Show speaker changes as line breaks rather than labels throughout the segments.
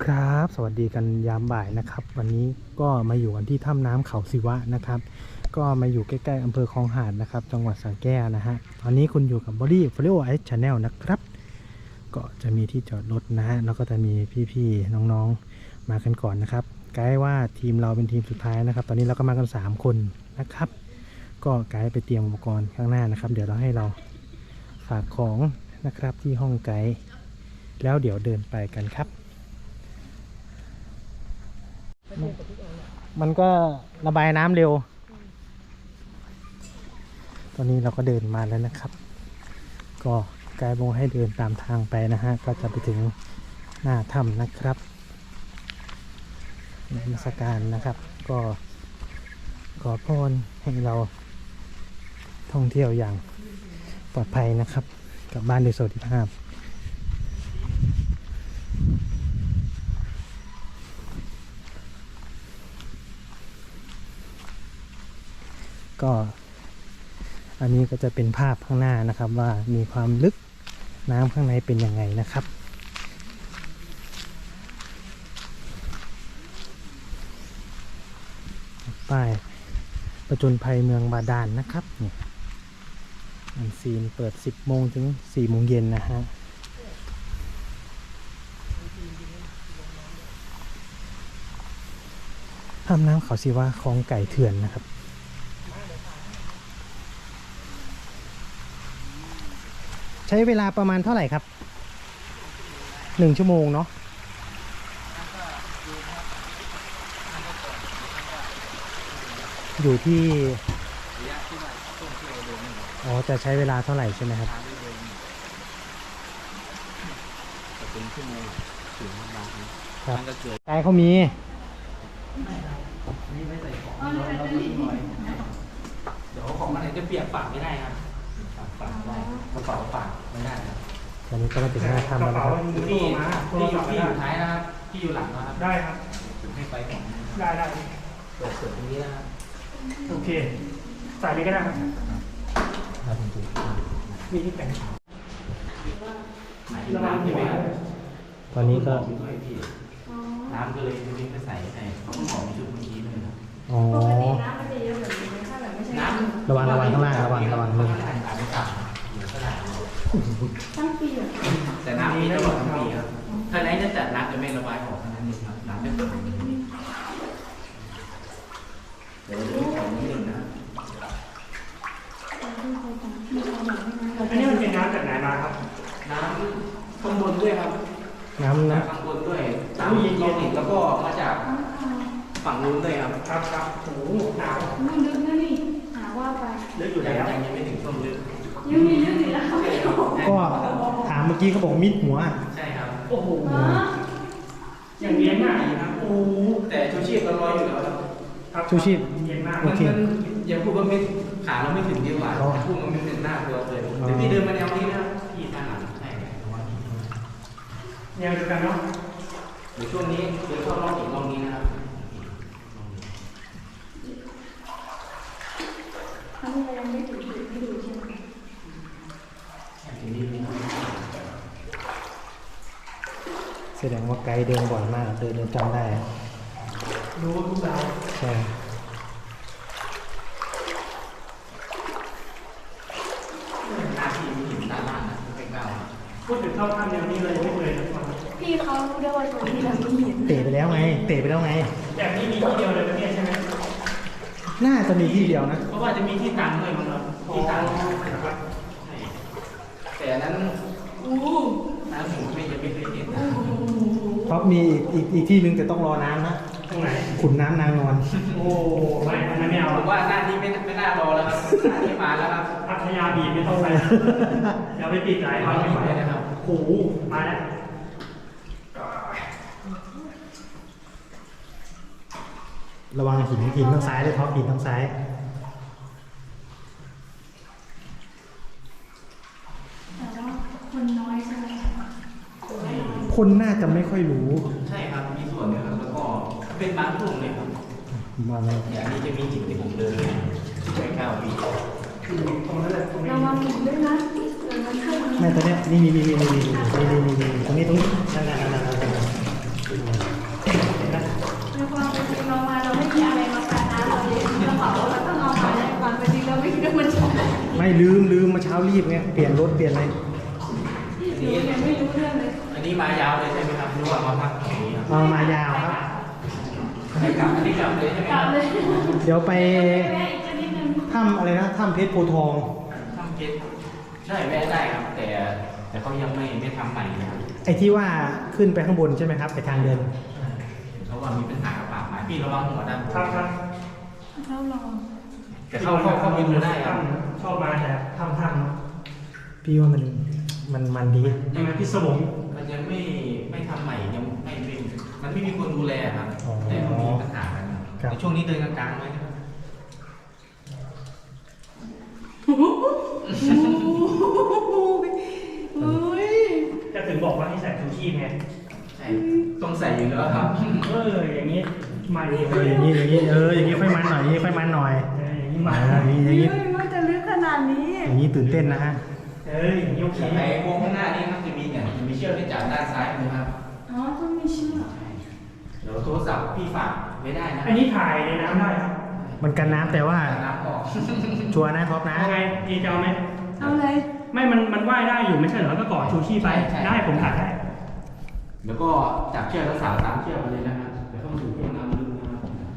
ครับสวัสดีกันยามบ่ายนะครับวันนี้ก็มาอยู่กันที่ถ้ำน้ำเขาศิวะนะครับก็มาอยู่ใกล้ๆอำเภอคลองหาดนะครับจังหวัดสระแก้วนะฮะตอนนี้คุณอยู่กับ Body Follow Ice Channel นะครับก็จะมีที่จอดรถนะฮะแล้วก็จะมีพี่ๆน้องๆมากันก่อนนะครับไกด์ว่าทีมเราเป็นทีมสุดท้ายนะครับตอนนี้เราก็มากัน3คนนะครับก็ไกด์ไปเตรียมอุปกรณ์ข้างหน้านะครับเดี๋ยวเราให้เราฝากของนะครับที่ห้องไกด์แล้วเดี๋ยวเดินไปกันครับมันก็ระบายน้ำเร็วตอนนี้เราก็เดินมาแล้วนะครับก็ไกด์บอกให้เดินตามทางไปนะฮะก็จะไปถึงหน้าถ้ำนะครับนมัสการนะครับก็ขอพรให้เราท่องเที่ยวอย่างปลอดภัยนะครับกลับบ้านโดยสวัสดิภาพก็อันนี้ก็จะเป็นภาพข้างหน้านะครับว่ามีความลึกน้ำข้างในเป็นยังไงนะครับป้ายประจนภัยเมืองบาดาลนะครับเนี่ยอันซีนเปิด10 โมงถึง 4 โมงเย็นนะฮะถ้ำน้ำเขาศิวะคลองไก่เถื่อนนะครับใช้เวลาประมาณเท่าไหร่ครับ1 ชั่วโมงเนาะอยู่ที่อ๋อจะใช้เวลาเท่าไหร่ใช่ไหมครับเป็นชั่วโมงถึงครับไกด์เขามี
เดี๋ยวของอะไรจะเปียกปากไม่ได้ครับปากได้กระเป๋าปากไม่ได้ครับ
ตอนนี้ก็มาถึงหน้าถ้ำแล้วนะครับ
ที่อยู่ท้ายนะครับที่อยู่หลังนะครับ
ได้ครับ
ให้ไปก่อน
ได้
เปิดตรงนี้นะครับ
โอเคใส่เลยก็ได้ครับมีที่แต่ง
น้ำใช่ไหมครับ
ตอนนี้ก็
น้ำก็เลยวิ่งไปใส่เขาก็บอกมีชุดเมื่อกี้เลยครับ
อ๋อระวังข้างล่างระวังมือ
ตั้งปีเหรอ
แต่น้ำมีตลอดทั้งปีครับถ้าไหนจะจัดน้ำจะไม่ระบายออกเท่านั้นเองครับน้ำจะเปิดอย่างนี้เดี๋ยวจะของนิดนึงนะ
อันนี้มันเป็นน้ำจากไหนมาครับ
น้ำข้างบนด้วยครับ
น้ำนะ
ข้างบนด้วยน้ำเย็นๆแล้วก็มาจากฝั่งนู้นด้วยครับ
ครับโอ้หนาว
มันลึกนะนี่หาว่าไป
ลึกอยู่แล้ว
ยังไม่ถึงช่วงลึก
ยังมีลึกอยู่แล้ว
ก็ถามเมื่อกี้เขาบอกมิดหัว
ใช่ครับ
โอ้โหอย่างเลี้ยงง่ายครับโอ้
แต่ชูชีพเราลอยอยู่แล้ว
ครับ
ชูชีพ
เย็นมาก
โอเค
ยังพูดว่าไม่ขาเราไม่ถึงดีกว่าพูดมันไม่เป็นหน้าตัวเลยเดี๋ยวพี่เดินมาแนวนี้นะพี่ด้านหลังใช่
แนวเดียวกันเนาะ
เดี๋ยวช่วงนี้เดี๋ยวเข้ารอบอีกรอบนี้นะครับ
ทั้งเรายังไม่ถึงไม่ดูใช่ไหม
แสดงว่าไกด์เดินบ่อยมากเดินจำได้
รู้ทุกดาว
ใช่
พูดถึงเข้าถ้ำแนวนี้เลยไม่เคยนะ
พี่เขารู้ได้ว่าตรงนี้เราไม่เห็น
เตะไปแล้วไง
แบบนี้มีที่เดียวเลยนะเนี่ยใช่ไหม
น่าจะมีที่เดียวนะ
เพราะว่าจะมีที่ตังด้วยมั้งครับที่ตังแต่นั้นน้ำผมไม่ยังไม่เคยเห็นนะ
เพราะมีอีกที่นึงแต่ต้องรอน้ำนะ
ตรงไหน
ขุนน้ำนางนอน
โอ้ไม่เอา
ผมว่าหน้านี้ไม่น่ารอแล้วครับหน้านี้มาแล้วครับ
พัทยาบีไม่ต้องไปอย่าไปติดใจ
มาไม่ไหวนะครับ
โอ้โหมาแล้ว
ระวังหินทางซ้ายเลยท็อปหินทางซ้าย
แต่ว่าคนน้อยใช่ไหม
คนน่าจะไม่ค่อยรู้
ใช่ครับมีส่วนนึงครับแล้วก็เป็นบางช่วงเลยครับ
มาเลย
อย่างนี้จะมีหินที่ผมเดินไป9 ปี
ตรงนั้นแหละ
ระวังหินด้วยนะ
ไม่ตอนนี้นี่มีตรงนี้นั่น
ในความเป็นจริงเรามาเราไม่มีอะไรมากันนะเราเลยเราบอกว่าเราต้องเอามาในความเป็นจริงเราไม่คิดว่ามันจะห
ไม่ลืมเมื่อเช้ารีบไงเปลี่ยนรถเปลี่ยนอะไร
นูยังไม่รู้เรื่องเลย
อันนี้มายาวเลยใช่ไหมครับหรือว่ามาพักตรงนี้ครับ
เอามายาวครับ
ไม่กลับอันนี้กลับเลยใช่ไหม
ก
ค
ลั
รั
บบ เลย
เดี๋ยวไป
แม่อีกจะนิดนึง
ถ้ำอะไรนะถ้ำเพชรโพธิ์ทอง
ทำเก็ตได้แวะได้ครับ แต่เขายังไม่ทำใหม่นะครับ
ไอ้ที่ว่าขึ้นไปข้างบนใช่ไหมครับไปทางเดิน
เพราะว่ามีปัญหากับป่าไม้พี่ระวังหัวด้านบน
ครับ
เราลอง
แต่เข้าไปดูได้ครับ
ชอบมาแต่ทำ
พี่ว่ามันดี
ใช่ไหมพี่สมง
มันยังไม่ทำใหม่ยังไม่มันไม่มีคนดูแลครับแต่มันมีปัญหากันในช่วงนี้เดินกลางๆไว้นะครับ
จะถึงบอกว่าให้ใส่ชูชีพไง
ใช่ต้องใส่อยู่แล้วครับ
อย่างนี้มาดี
อย่างนี้อย่างนี้อย่างนี้ค่อยมันหน่อยอย่างนี้ค่อยมันหน่อย
อย่างนี้มา
อย่างนี้อย่างนี้
มันจะลึกขนาดนี้
อย่างนี้ตื่นเต้นนะฮะ
อย่างนี้โอเค
ไอ้วงข้างหน้านี่ครับจะมีเชือกที่จับด้านซ้ายมือครับ
อ๋อต้องมีเชือก
เดี๋ยวโทรศัพท์พี่ฝากไม่ได้นะ
อันนี้ถ่ายในน้ำได้ครับ
มันกันน้ำแต่ว่า
น้ำออก
ชัวร์นะท็อปนะ
เอาไงดีจะเอาไหม
เอาเลย
ไม่มันว่ายได้อยู่ไม่ใช่เหรอก็ก่อชูชีพไปได้ผมถ่ายได้
แล้วก็จับเชือกแล้วสาวตามเชือกมาเลยนะครับเดี๋ยวต้องถูกช่วงน้ำลึกนะครับ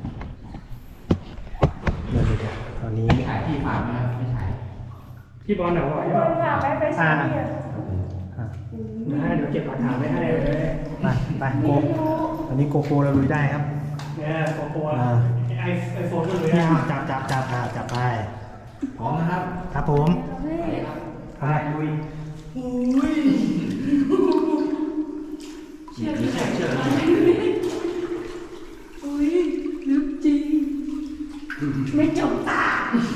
เดี๋ยวตอนนี้
ไม่ถ่ายพี่ฝากนะครับไม่ถ่าย
พี่บอลหนาวไหว
ค
เปล่าน
ฝากไปใช้เนี่ย
เดี๋ยวเก็บหลักฐานไว้ให้เลย
ไปโกตอนนี้โกโก้เราลุยได้ครับ
เนี่ยโกโไอโฟนก็เลย
นี่เอาจับไป
พร้อมนะครับ
ครับผม
ไปครับ
อะไร
ลุย
เชือกเชือก
อุ้ยลึกจริง ไม่จมตา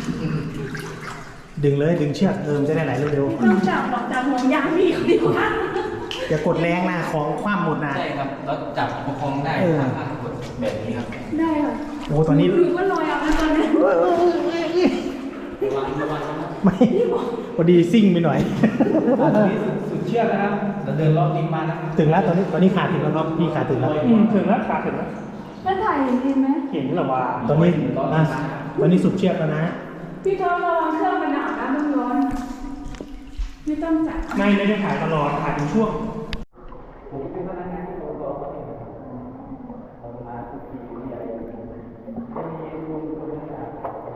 ดึงเลยดึงเชือกมันจะได้ไหลเร็ว
ไม่ต้องจับหรอกจับห่วงยางพี่คนเดียวกัน
ๆอย่ากดแรงนะของคว่ำหมดนะ
ใช่ครับแล้วจับประคองได้ทางกดแบบนี้ครับ
ได้ค่ะ
โอ้ตอนนี้
หรือว่าลอยเอาแล้วตอนนี้
ระวังนะครับ
ไม่พอดีซิ่งไปหน่อย
ตอนนี้สุดเชือกนะครับเราเดินรอบริมมานะครับ
ถึงแล้วตอนนี้ขาถึงแล้วครับพี่ขาถึงแล้ว
ถึงแล้วขาถึงแล้ว
แล้วถ่ายเห็นไหม
เห็นหรอวะ
ตอนนี้ตอนนี้สุดเชือกแล้วนะ
พี่ทอระวังเครื่องมันหนาวนะมันร้อน ไม่ต้องจับ
ไม่ได้ถ่ายตลอดถ่ายเป็นช่วง
ผมเป็นพนักงานที่เราเรามาทุกทีมีอะไรจะมีลุงคนนึงครับ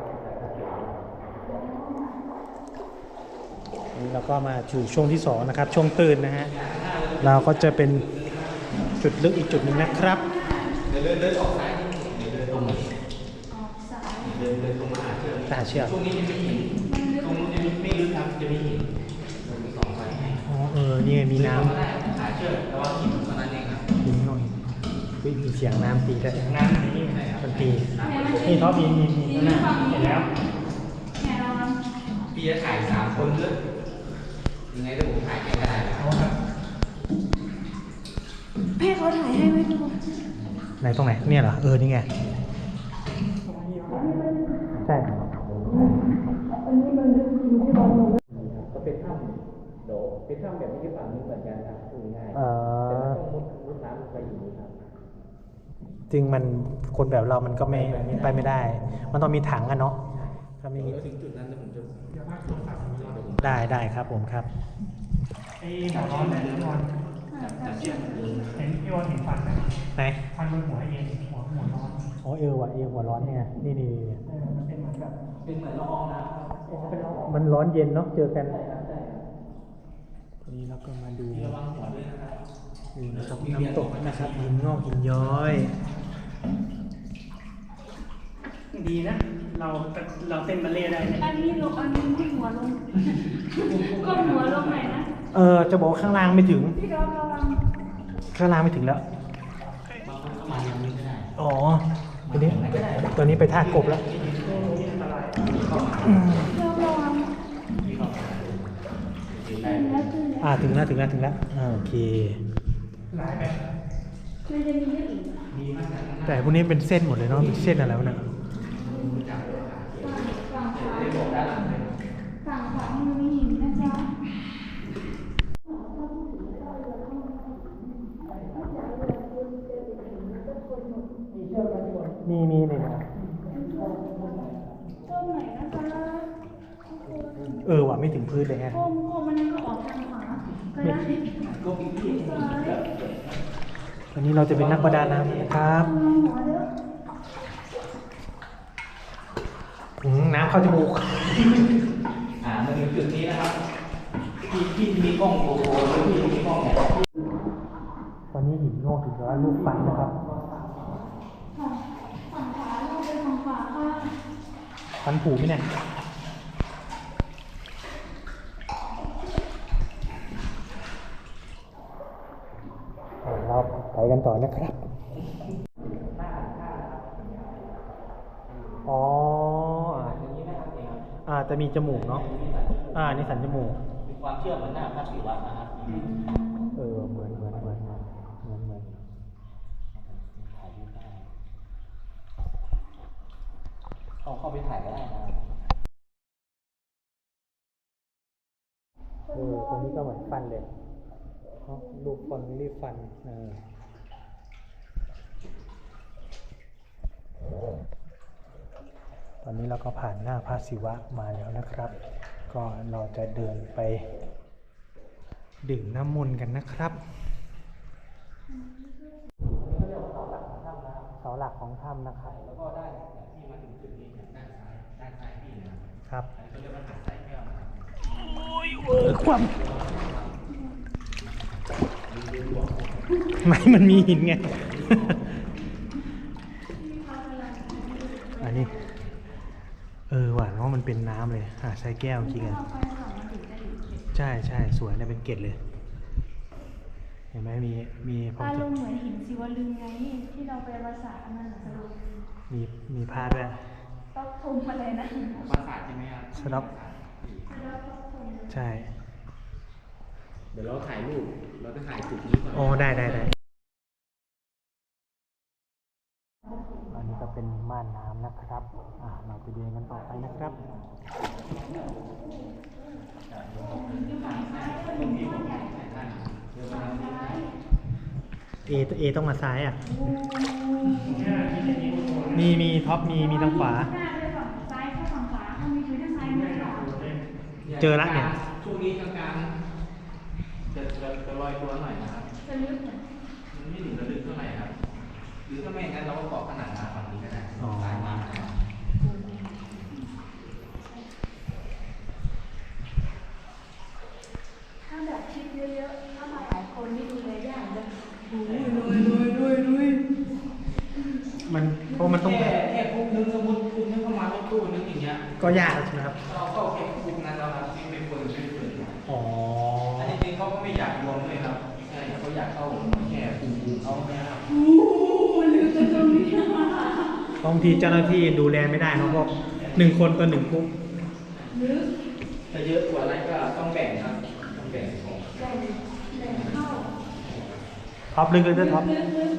นี่เราก็มาสู่ช่วงที่2นะครับช่วงตื่นนะฮะเราก็จะเป็นจุดลึกอีกจุดหนึ่งนะครับ
เดินออกซ้ายเดินตรงมา
ออกสาย
เดินตรงมาหาเชือก
หาเชือก
ช่วงนี้จะมีหินตรงนู้นจะมีไม่ลึกครับจะมีหินผมมี2ไฟให้
อ๋อนี่ไงมีน้
ก็ได้หาเชือกแต่ว่าหินเท่านั้นเองครับ
ำหินหน่อยอุ๊ยมีเสียงน้ำตีด้วย
น้ำนี้
มันตีนี่ท็อปมีนั่นน่ะ
เห็นแล้ว
แง่ระวัง
พี่จะถ่าย3คนด้วยยังไงถ้าผมถ่ายแค่ก็ได้นะครับ
ให้เขาถ่ายให้ไหมทุกคน
ไหนตรงไหนเนี่ยเหรอนี่ไงใช่
อันนี้มันลึกจริงที่บอลลง
ก็เป็นถ้ำเดี๋ยวเป็นถ้ำแบบนี้ที่ฝั่งนี้เหมือนกันครับคือง่าย
เอ
แต่มัน
อ
ต้องมุดน้ำไปอยู่ครับ
จริงมันคนแบบเรามันก็ไม่ไปไม่ได้ มันต้องมีถังอะเนาะถ้าไม่มี
แล้วถึงจุดนั้นแล้วผมจะ
ได้ครับผมครับ
ไอ้หัวร้อนแต่หัวนอน
จับเชือก
เห็นพี่บอลเห็นฟันไหม
ไหน
ฟันบนหัวเองหัวนอน
อ๋อว่ะหัวร้อนเนี่ยนี่
มันเป็นเหมือนแบบ
เป็นเหมือนละอองน้ำครับ
เป็นเรา
มันร้อนเย็นเนาะเจอกันนี้เราก็มาดู
ระวังหัวด้วยนะครับ
นะครับน้ำตกนะครับหินงอกหินย้อย
ดีนะเราเต้นบัลเล่ได้เนี่ย
อันนี้ลงอันนี้มุดหัวลงก้มหัวลงหน่อยนะ
จะบอกว่าข้างล่างไม่ถึง
พี่ดอมระวัง
ข้างล่างไม่ถึงแล้ว
บางคนเข้ามายังไม่ได้
อ๋อตอนนี้ไปท่ากบแล้ว
นี่อันตราย
ดอมระวัง
ถึงได้
แล้วคือแล้ว
ถึงแล้วโอเค
หลายแบบ
มันจะมีเรื่องอีก
มีมากนะ
แต่พวกนี้เป็นเส้นหมดเลยเนาะเป็นเส้นอะไรวะเนี่ย
ฝั่งขวาฝั่งขวามันมีหินนะจ๊ะ
อมีเลยนะ
ก้มไหนนะคะ
ว่ะไม่ถึงพื้นเลยฮะ
ก้มมันก็ออกทางขวาก็ได้ซ้าย
วันนี้เราจะเป็นนักประดาน้ำนะครับ
หัวเด้อ
น้ำเข้าจมูก
มาถึงจุดนี้นะครับที่มีกล้องโกโปรหรือที่มีกล้องเนี่ย
ตอนนี้หินโง่ถึงร้อยลูกฟันนะครับ
ฝั่งขวาเราเป็นฝั่งขวาค่ะ
ฟันผุไหมเนี่ยเราไปกันต่อนะครับ อ๋อ จะมีจมูกเนาะ นี่สันจมูก
มีความเชื่อเหมือนหน้าพระศิวะนะครับ
เหมือน
ถ่ายรูปได้เข้าไปถ่ายก็ได้นะครับ
ตรงนี้ก็เหมือนฟันเลยรูปฟันรีบฟันตอนนี้เราก็ผ่านหน้าพระศิวะมาแล้วนะครับ ก็เราจะเดินไปดื่มน้ำมนต์กันนะครับเสาหลักของถ้ำนะครับแล้วก็ได้ที่มาถึงจุดนี้ด้านซ้ายพี่นะครับเขาเรียกว่าหาดทรายแก้วความไม่มันมีหินไง อันนี้ว่ะเพราะมันเป็นน้ำเลยหาดทรายแก้วจริงอ่ะใช่สวยนะเป็นเกล็ดเลยเห็นไหมมีผม
อารมณ์เหมือนหินศิวลึงไงที่เราไปภาษาอันนั้นสรุป
มีผ้าด้วย
ต้องทุมอะไรนะ
ปราสาทใช่ไหมครับ
สต็อปใช่
เดี๋ยวเราถ่ายรูปเราจะถ่ายจุดนี้ก่อน
โอ้ได้อันนี้ก็เป็นม่านน้ำนะครับ เราไปเดินกันต่อไปนะครับเอต้องมาซ้ายอ่ะมีท็อปมีทางขวา
ซ้ายเข้าฝั่งขวาเขามีพื้นทางซ้ายไม่หรอ
เจอละเนี่ย
ช่วงนี้กลางๆจะลอยตัวหน่อยนะครับ
จะลึกเหมือน
มันไม่ถึงระลึกเท่าไหร่ครับหรือถ้าไม่งั้นเราก็เกาะขนาดน้ำฝั่งนี้ก็ได้
อ๋อ
สายน้ำนะครับ
ถ้าแบบคิดเยอะๆถ้ามาหลายคนนี่ดูเลยยากเลย
มันเพราะมันต้อง
แค่คุกนึงสมมติคุกนึงเข้ามารถตู้นึงอย่างเงี้ย
ก็ยากใช่ไหมครับ
เราเข้าแค่คุกนั้นแล้วครับที่เป็นคนช่วยเหลือ
อ๋อ
อันนี้จริงเขาก็ไม่อยากรวมด้วยครับใช่เขาอยากเข้าแค่คุกเขาเนี่ยครับ
บางทีเจ้าหน้าที่ดูแลไม่ได้เขาก็1 คนต่อ1 คุก
ถ้าเยอะกว่านั้นก็ต้องแบ่งครับต้องแบ่งของ
ท็อปลึกเลยด้วยท็อป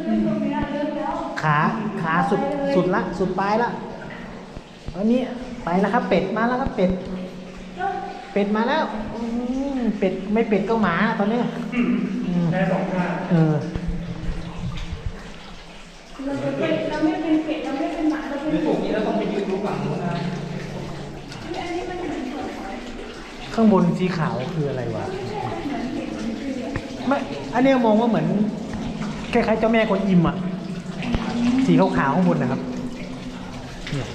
ขาสุดละสุดปลายละอันนี้ไปแล้วครับเป็ดมาแล้วครับเป็ดมาแล้วเป็ดไม่เป็ดก็หมาตอนนี้
ได้2 ท่า
เราไม่เป็นเป็ดเราไม่เป็นหมาเราเป็น
หรือถูกนี้เราต้องไปยืนดูฝั่งนู้นนะ
อันนี้มันเหมือนส่วนหอย
ข้างบนสีขาวคืออะไรวะไม่อันนี้มองว่าเหมือนคล้ายๆเจ้าแม่กวนอิมอ่ะสีขาวๆข้างบนนะครับเนี่ย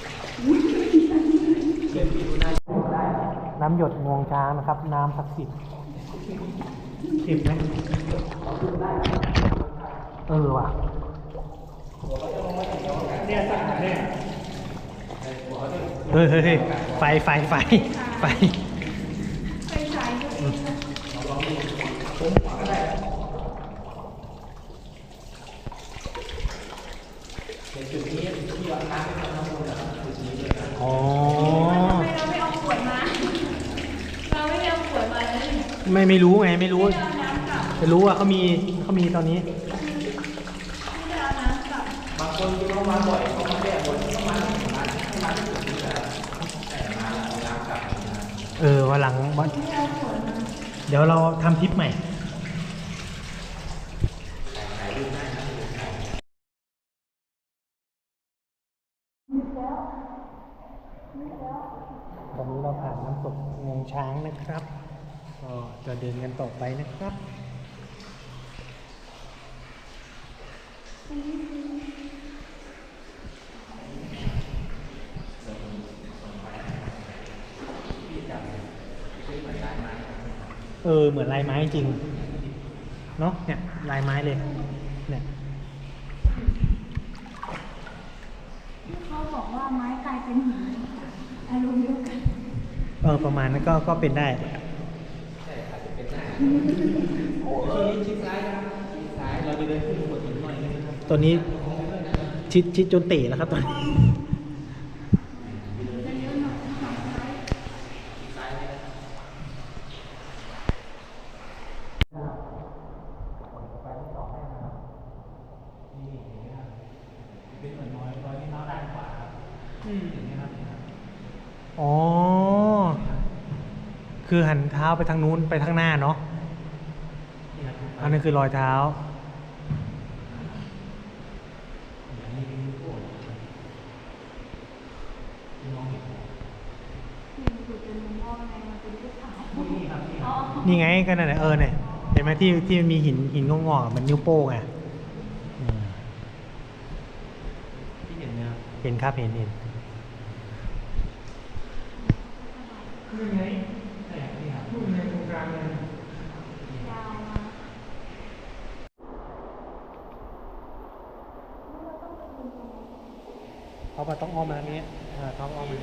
น้ำหยดงวงช้างนะครับ น้ำศักดิ์สิทธิ์เข็มไหมว่ะ
เนี่ยสั่งเนี่ย
เฮ้ยไฟ
ไปสายก็ดี
จุดนี้ที่เราน้ำเป็นน้ำมูลนะครับจุดนี้เลยครับ
อ๋อ
ทำไมเราไม่เอาขวดมา เราไม่ได้เอาขวดมาเลย
ไม่รู้ไงไม่รู้
ไม่ได้เอาน้ำกลับ
จะรู้ว่าเขามีตอนนี้
ไม่ได้เอาน้ำกลับบ
างคนที่เขามาบ่อยเขามาแก้บนเขามาที่ร้านมาที่จุดนี้แหละแต่มาเอาน้ำกลับนะครับ
วันหลัง
ไม่ได้เอาขวดมา
เดี๋ยวเราทำทริปใหม่งวงช้างนะครับ ก็จะเดินกันต่อไปนะครับ เหมือนลายไม้จริง เนาะเนี่ยลายไม้เลย เนี่ย
เขาบอกว่าไม้กลายเป็นหินอารมณ์เดียวกัน
ประมาณนั้นก็เป็นได้
ชิดซ้ายนะครับชิดซ้ายเราจะเดินขึ้นหัวหินหน่อยนะครับ
ตัวนี้ชิดจนเตะแล้วครับตอนนี้
จะเลี้ยวหน่อยทางซ้าย
ซ้ายเลยนี่เห็นไหมครับเป็นเหมือนรอยที่เท้าด้านขวาครับเห็นไหมครับ
อ๋อ คือหันเท้าไปทางนู้นไปทางหน้าเนาะ
นี่ครับ
อันนั้นคือรอยเท้า
คือเป็นมุมมองไงมันเป็นรูปขาว
นี่ครับนี่ครับ
นี่ไงก็นั่นแหละเนี่ยเห็นไหมที่มีหินงอกๆอะมันนิ้วโป้งอ่ะอืม
ที่เห็นไหมครับ
เห็นครับเห็น
นี่ไงแต่นี่ครับนู่นในตรงกลางเลย
ยาวมา
เขาไปต้องอ้อมมาทางนี้เขาอ้อมมา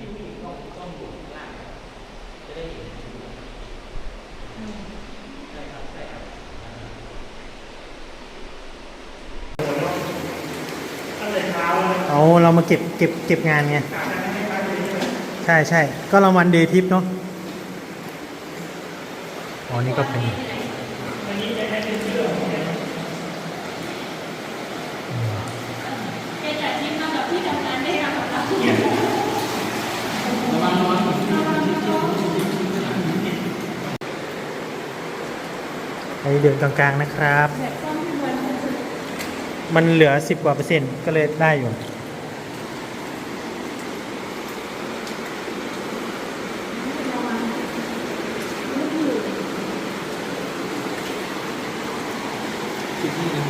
เอาเรามาเก็บงานไง ใช่ก็รางวัลเดย์ทิปเนาะ อ๋อ นี่ก็เป็น
เป็นแต่ที่มากับที่ทำงานได้รับของเรา
ระวังนอน
อันนี้เดือนกลางๆนะครับ
แบบต้นที่วันนี้
มันเหลือ10 กว่า%ก็เลยได้อยู่
ชิดนี่นะ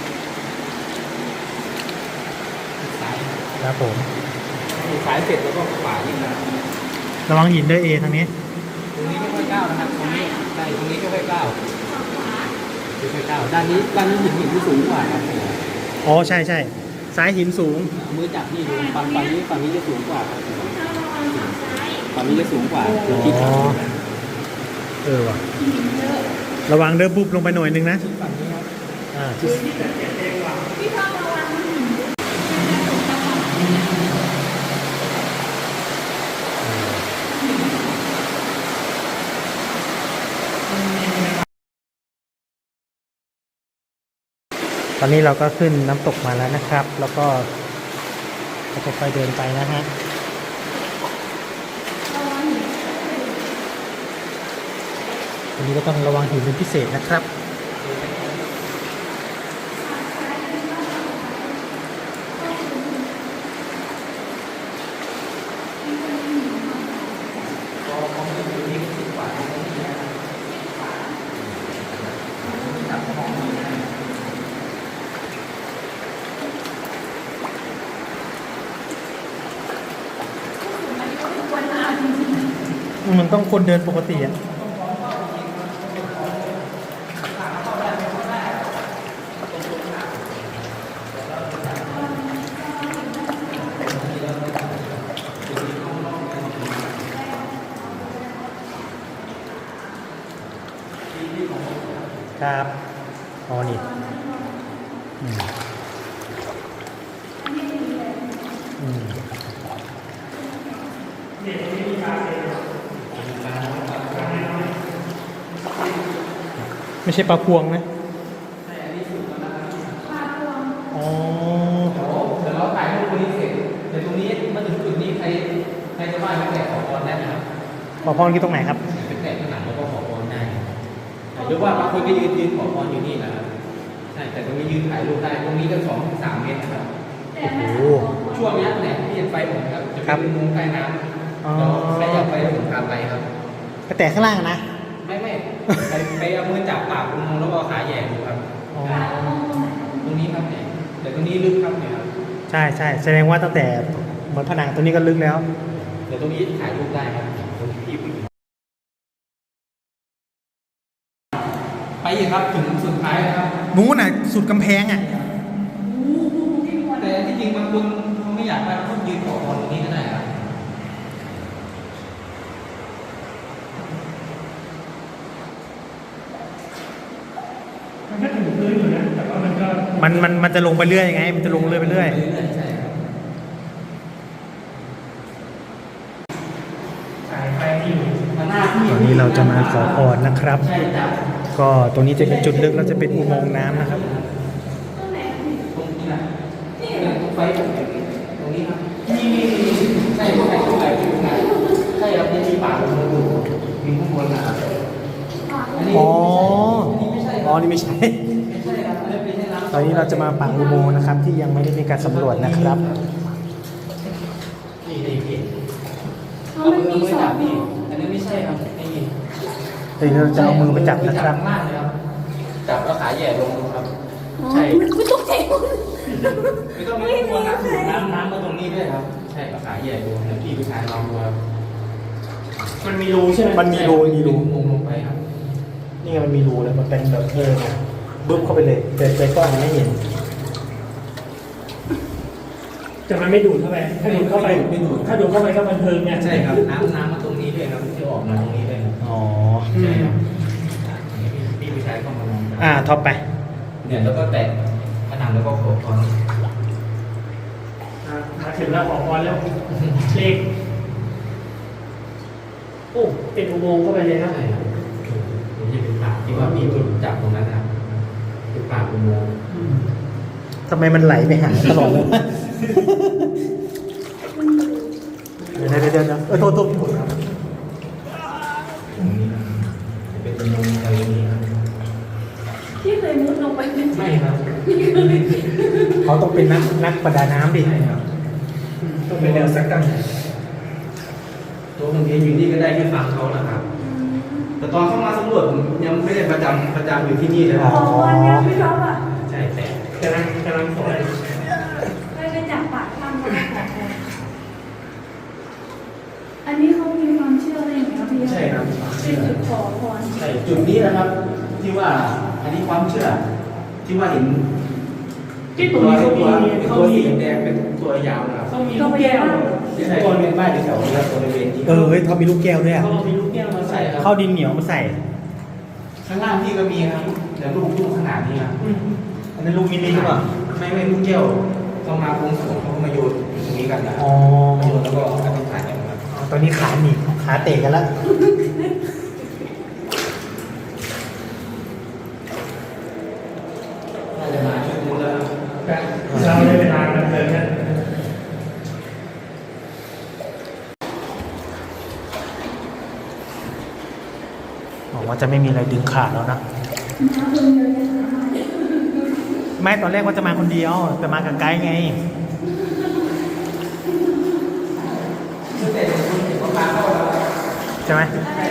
ซ้าย
ครับผม
ซ้ายเสร็จแล้วก็ขวานี่นะ
ระวังหินด้วยเอทางนี้
ตรงนี้ไม่ค่อยก้าวนะครับตรงนี้ได้ตรงนี้ไม่ค่อยก้าวไม่ค่อยก้าวด้านนี้หินที่สูงกว่าครับ
อ๋อ ใช่ซ้ายหินสูง
เอามือจับนี่ดูฝั่งนี้จะสูงกว่าครับฝั่งนี้จะสูงกว่าเราคิดครับ
ว่ะ ระวังเดินบุบลงไปหน่อยนึงนะ
ฝั่งนี้ครับ
พี่ชอบระวังหิน
ตอนนี้เราก็ขึ้นน้ำตกมาแล้วนะครับ แล้วก็ค่อยๆเดินไปนะฮะ อันนี้ก็ต้องระวังหินเป็นพิเศษนะครับ มันต้องคนเดินปกติอ่ะ ครับ อ๋อ นี่อืมอืมไม่ใช่ปลาพวงนะอ๋อ
เดี๋ยวเราถ่ายรูปตรงนี้เสร็จเดี๋ยวตรงนี้มาถึงจุดนี้ใครจะไหว้ไม่แตะขอพรได้นะครับ
ปลาพวงที่ตรงไหนครับ
เป็นแตะผนังแล้วก็ขอพรได้หรือว่าบางคนก็ยืนขอพรอยู่นี่นะครับใช่แต่ตรงนี้ยืนถ่ายรูปได้ตรงนี้ก็2-3 เมตรนะครับ
โอ้โห
ช่วงนี้เนี่ยที่เห็นไฟผมครับจะ
ครั
เป็
บ
นมุมใต้น้
อ๋อ
ำเราใครอยากไปผมพาไปครับ
อไปแตะข้างล่างอะนะ
ไม่ไปเอามือจับปากอุโมงค์แล้วก็เอาขาแหย่ดูครับ
อ๋อ
ตรงนี้ครับเนี่ยแต่ตรงนี้ลึกครับเนี่ยครับ
ใช่ใช่แสดงว่าตั้งแต่เหมือนผนังตัวนี้ก็ลึกแล้ว
เดี๋ยวตรงนี้ถ่ายรูปได้ครับตรงที่ผู้หญิงไปอีกครับถึงสุดท้ายนะครับ
นู้นน่ะสุดกำแพงอ่ะ
แต่ที่จริงบางคนเขาไม่อยากไปเขายืนขอพรตรงนี้ก็ได้ครับ
มันก็ถึงพื้นอยู่นะแต่ว่ามันก็
มันจะลงไปเรื่อยไง มันจะลงเรื่อยไปเรื่อย
ใช่ครับ
สายไฟที่อยู่
มาหน้าที่
ตอนนี้เราจะมาขอพรนะครับ
ใช่ครับ
ก็ตรงนี้จะเป็นจุดลึกแล้วจะเป็นอุโมงค์น้ำนะครับ
ตรงนี้นะไฟตรงนี้ครับนี่ใช่ตรงไหนใช่ครับมีปากลงมาดูมีข้างบนนะครับอันนี้
อ๋อ
ไม่ใช่
อ๋อ นี่ไม่ใช่
ไม่ใช่ครับอันนี้เป็นน้ำ
ตอนนี้เราจะมาปักอุโมงค์นะครับ ที่ยังไม่ได้มีการสำรวจนะครับ
นี่นี่
เอามันมีสอง
นี่อันนี้ไม่ใช่ครับไม่มี
เดี๋ยวเราจะเอามือไปจับนะครับ
จับข้างล่างเลยครับจับแล้วขาแหย่ลงดูครับ
อ๋อ
ใช่
ไม่ต้องเท
ไม่ต้องไม่ควรนะน้ำมาตรงนี้ด้วยครับ ใช่เอาขาแหย่ดูเดี๋ยวพี่ผู้ชายลองดูครับ
มันมีรูใช่ไหม
มันมีรูมีรู
มุมลงไปครับ
นี่ไงมันมีรูแล้วมันเป็นแบบบึ้บเข้าไปเลยแต่กล้องมันไม่เห็น
แต่มันไม่ดูดเข้าไปถ้าดูดเข้าไปถ้าดูดเข้าไปก็บันเทิงเนี่ย
ใช่ครับน้ำมาตรงนี้ด้วยครับที่ออกมาตรงนี้ด้วยครับ
อ๋อ
ใช่ครับพี่ผู้ชายเข้ามาลองครับ
ท็อปไป
เนี่ยแล้วก็แตะผนังแล้วก็ขอพร
มาถึงแล้วขอพรแล้วเลขโอ้เป็นอุโมงค์เข้าไปเลยนะ
ใช่ครับนี่เป็นปากที่ว่ามีจุดจับตรงนั้นนะครับเป็นปากอุโมงค์
ทำไมมันไหลไปหาตลอดเลยวะเดี๋ยวโทษ
ตรงนี้นะเป็นอุโมงค์อะไรนี้ครับ
ที่เคยมุดลงไปเป็น
ไม่ครับ
เขาต้องเป็นนักประดาน้ำดิ
ใช่ครับ
ต้องเป็นแนวสักกัน
ตัวผมเองอยู่นี่ก็ได้แค่ฟังเขาแหละครับ แต่ตอนเข้ามาสำรวจผมยังไม่ได้ประจำอยู่ที่นี่เลยค
ข
รับ
อพรเนี่ยพี่ท็อปอ่ะ
ใช่แต่
กำลังสอน
ไปจับปากถ้ำมาขอพรอันนี้เขามีความเชื่ออะไรอย่างเงี้ยพี่
ใช่ครับ
เป็นจุดขอพร
ใช่จุดนี้นะครับ ที่ว่าอันนี้ความเชื่อ ที่ว่าเห็น
ที่ตรงนี้เขามี
ตัวสีแดงเป็นตัวยาวนะครับ
เขามีลูกแก้ว
ที่ใช้บริเวณบ้านแถวๆนี้ครับบริเวณที่
เฮ้ยเขามีลูกแก้วด้วยอะ
เขาเอามีลูกแก้วมาใส่
ใช่ครับ
เข้าดินเหนียวมาใส่
ข้างล่างพี่ก็มีครับแต่ลูกขนาดนี้ครับ
อันนั้นลูกมินิหรือเปล่า
ไม่ลูกแก้วต้องมาปรุงสมเขาก็มาโยนตรงนี้กันนะ
อ๋อ
มาโยนแล้วก็อธิษฐานกันครับ
ตอนนี้ขาหนีบขาเตะกันแล้ว
น่าจะมาช่วยดูแล้ว
เราได้เวลาบันเทิงนะ
บอกว่าจะไม่มีอะไรดึงขาแล้วนะ ไม่ตอนแรกว่าจะมาคนเดียว แต่มากับไกด์ไง
ซึ่งแต่คุณเห็นว่ามาเข้าแล้ว
ใช่ไหม
อะไร